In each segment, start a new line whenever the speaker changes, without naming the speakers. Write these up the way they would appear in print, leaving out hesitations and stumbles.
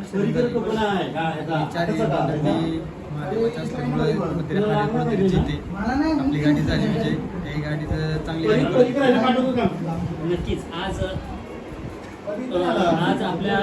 आपली गाडी झाली म्हणजे काही गाडीचं चांगली गाडी.
नक्कीच आज आपल्या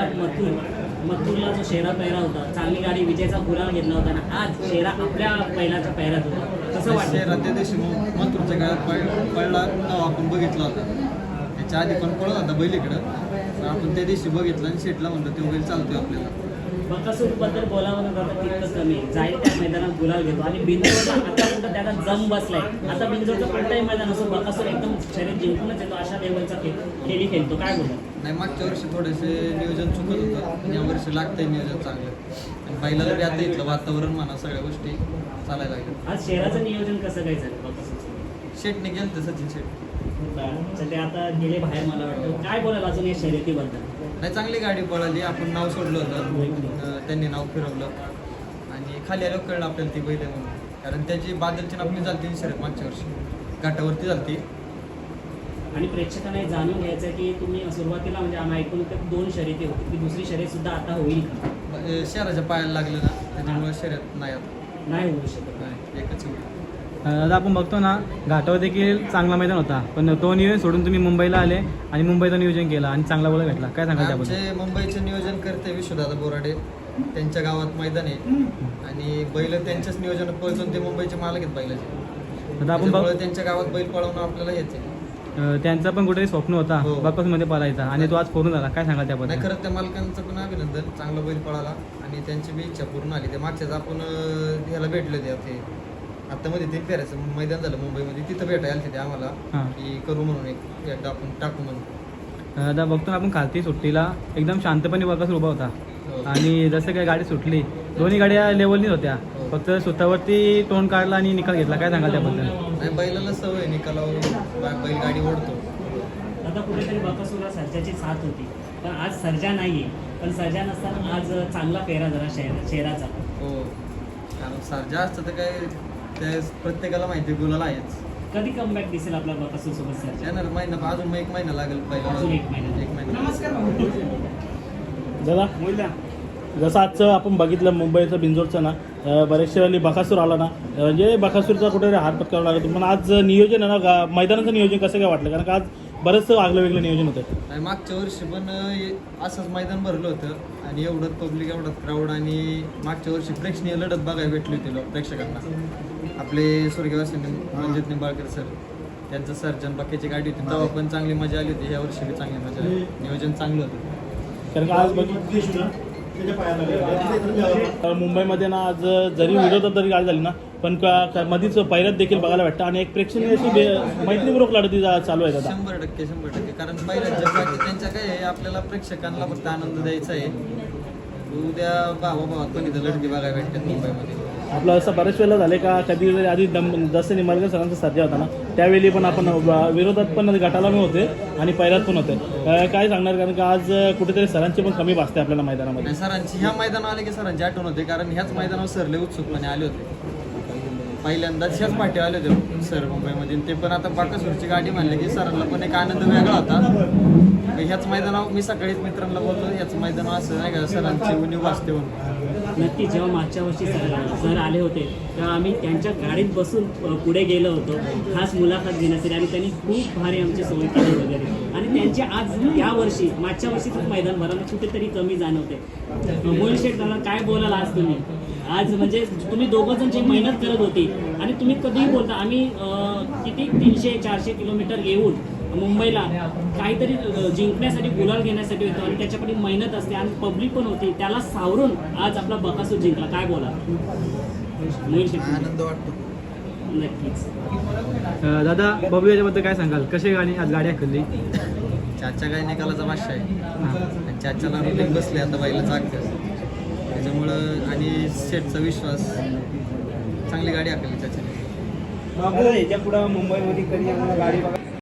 मथुरला जो शेरा पैरा होता, चांगली गाडी विजयचा गुलाल घेतला होता ना, आज शेरा आपल्या बैलाच्या पैरात होता. कसं वाटतं?
शेरा त्या दिवशी मथुरच्या काळात पळला तेव्हा आपण बघितला होता. त्याच्या आधी पण पळत होता बैल इकडं, तर आपण त्या दिवशी बघितलं आणि शेटला म्हणलं तो बैल चालतोय आपल्याला.
बकासूरबद्दल बोलावं जातं तितकं कमी, जाईल त्या मैदानात गुलाल घेतो आणि बिंजोरचा आता कुठं त्याला जम बसलाय. आता बिंजोरचं कोणताही मैदान असो, बकासूर एकदम शरीर जिंकूनच येतो, अशा लेवलचा खेळी खेळतो. काय बोलतो?
नाही, मागच्या वर्षी थोडेसे नियोजन चुकत होतं, या वर्षी लागतंय नियोजन चांगलं. आणि बैलाला बी आता इथलं वातावरण म्हणा सगळ्या गोष्टी चालायला लागल्या.
आज शेराचं नियोजन कसं काय झालं बकासूरचं?
शेटने गेलं तर सचिन शेट
ते आता गेले बाहेर. मला वाटतं काय बोलाल अजून या शर्यतीबद्दल?
नाही, चांगली गाडी पळाली. आपण नाव सोडलं होतं, त्यांनी नाव फिरवलं आणि खाली आलं कळलं आपल्याला ती बैल म्हणून. कारण त्याची बादलची आपली झालती शर्यत मागच्या वर्षी घाटावरती झालती.
आणि प्रेक्षकांना हे जाणून घ्यायचं की तुम्ही सुरुवातीला म्हणजे आम्ही ऐकून तर 2 शर्यती होती, की दुसरी शर्यत सुद्धा आता होईल का?
शहराच्या पायाला लागलं ना, त्याच्यामुळे शर्यत नाही आता
नाही होऊ शकत.
नाही, एकच होईल.
दादा आपण बघतो ना, घाटावर देखील चांगला मैदान होता, पण तो नियोजन सोडून तुम्ही मुंबईला आले आणि मुंबईचं नियोजन केलं आणि चांगला बोला भेटला. काय सांगाल त्याबद्दल?
आमचे मुंबईचे नियोजन करते विश्वदादा बोराडे, त्यांच्या गावात मैदान आहे आणि बैल त्यांच्याच नियोजनात पळतून ते मुंबईचे मालक आहेत बैलाचे.
दादा आपण
त्यांच्या गावात बैल पळवणं आपल्याला येते.
त्यांचं पण कुठेतरी स्वप्न होता बकासूरमध्ये पळायचा आणि तो आज पूर्ण झाला. काय सांगाल त्याबद्दल?
नाही, खरंच त्या मालकांचं पण अभिनंदन, चांगला बैल पळाला आणि त्यांची बी इच्छा पूर्ण आली. ते मागच्याच आपण ह्याला भेटले होते आता मध्ये ते फेरायचं मैदान झालं मुंबईमध्ये, तिथं भेटायला तिथे आम्हाला की करू म्हणून एकदा आपण टाकू म्हणून.
दादा बघतो आपण खालती सुट्टीला एकदम शांतपणे बकासूर उभा होता आणि जसं काय गाडी सुटली, दोन्ही गाड्या लेवलनीच होत्या, फक्त स्वतःवरती तोंड काढला आणि निकाल घेतला. काय सांगाल त्याबद्दल?
नाही, बैलाला सवय निकालावर बैल गाडी ओढतो.
आता कुठेतरी बकासूरला सर्जाची साथ होती, पण आज सर्जा नाहीये. पण सर्जा नसताना आज चांगला पेरा झाला शेराचा.
हो, कारण सर्जा असतं तर काय त्या प्रत्येकाला माहिती गुलाल आहेच.
कधी कमबॅक दिसेल आपला बकासूर सोबत सर्जा?
येणार महिना, अजून 1 महिना लागेल पहिला.
अजून 1 महिना.
दादा जसं आजचं आपण बघितलं मुंबईचं बिंजोरचं ना, बरेचशे वेळी बकासूर आला ना, म्हणजे बकासूरचा कुठेतरी हात पत्करावा लागतो. पण आज नियोजन आहे ना, मैदानाचं नियोजन कसं काय वाटलं? कारण का आज बरंचसं आगलं वेगळं नियोजन होतं.
आणि मागच्या वर्षी पण असंच मैदान भरलं होतं आणि एवढं पब्लिक, एवढं क्राऊड आणि मागच्या वर्षी प्रेक्षणीय लढत बघायला भेटली होती प्रेक्षकांना. आपले स्वर्गवासी रणजित निंबाळकर सर, त्यांचं सर्जन बाकीची गाडी होती तेव्हा पण चांगली मजा आली होती. ह्या वर्षी बी चांगली मजा आली, नियोजन चांगलं होतं.
कारण का आज मुंबईमध्ये ना, आज जरी विरोधात जरी गाडी झाली ना, पण मधीच पहिल्यात देखील बघायला भेटतं आणि एक प्रेक्षणीय अशी मैत्रीपूर्वक लढती चालू आहे आता.
100%. कारण पहिल्याच जगात त्यांच्या काय आहे, आपल्याला प्रेक्षकांना फक्त आनंद द्यायचा आहे. उद्या भावाभावात पण इथं लढती बघायला भेटतात मुंबईमध्ये.
आपलं असं बऱ्याच वेळेला झालं का, कधी आधी जसं निंबाळकर सरांचा सर्जा होता ना, त्यावेळी पण आपण विरोधात पण गटाला होते आणि पहिल्यात पण होते. काय सांगणार? कारण का आज कुठेतरी सरांची पण कमी भासते आपल्याला मैदानामध्ये.
सरांची ह्या मैदानावर आले की सरांची आठवण होते, कारण ह्याच मैदानावर सरले उत्सुकपणे आले होते. पहिल्यांदाच ह्याच पाठी आले होते सर मुंबईमध्ये. ते पण आता बाकासूरची गाडी म्हणले की सरांना पण एक आनंद वेगळा होता. ह्याच मैदानावर मी सकाळीच मित्रांना बोलतो, ह्याच मैदानावर असं नाही का सरांची उणीव वाचते म्हणून.
नक्की जेव्हा मागच्या वर्षी सर आले होते तेव्हा आम्ही त्यांच्या गाडीत बसून पुढे गेलो होतो खास मुलाखत घेण्यासाठी आणि त्यांनी खूप भारी आमची सोय केली वगैरे. आणि त्यांचे आज या वर्षी मागच्या वर्षीच मैदान भरायला कुठेतरी कमी जाणवते. मोहित शेठ दादा काय बोलाल आज तुम्ही? आज म्हणजे तुम्ही दोघं जण जी मेहनत करत होती आणि तुम्ही कधीही बोलता आम्ही किती 300-400 किलोमीटर येऊन मुंबईला काहीतरी जिंकण्यासाठी, गुलाल घेण्यासाठी होतो आणि त्याच्याकडे मेहनत असते आणि पब्लिक पण होती, त्याला सावरून आज आपला बकासूर जिंकला. काय बोला?
आनंद वाटतो.
नक्कीच.
दादा बबलू याच्याबद्दल काय सांगाल? कशी गाडी आज गाडी हकलली?
चाचा काय निकालाचा भाषा आहे. चाचाला रुटीन बसले आता बैलाचा अख्खं, त्याच्यामुळं आणि शेटचा विश्वास, चांगली गाडी हकलली चाचाने.
याच्या पुढं मुंबईमध्ये कधी आम्हाला गाडी बघा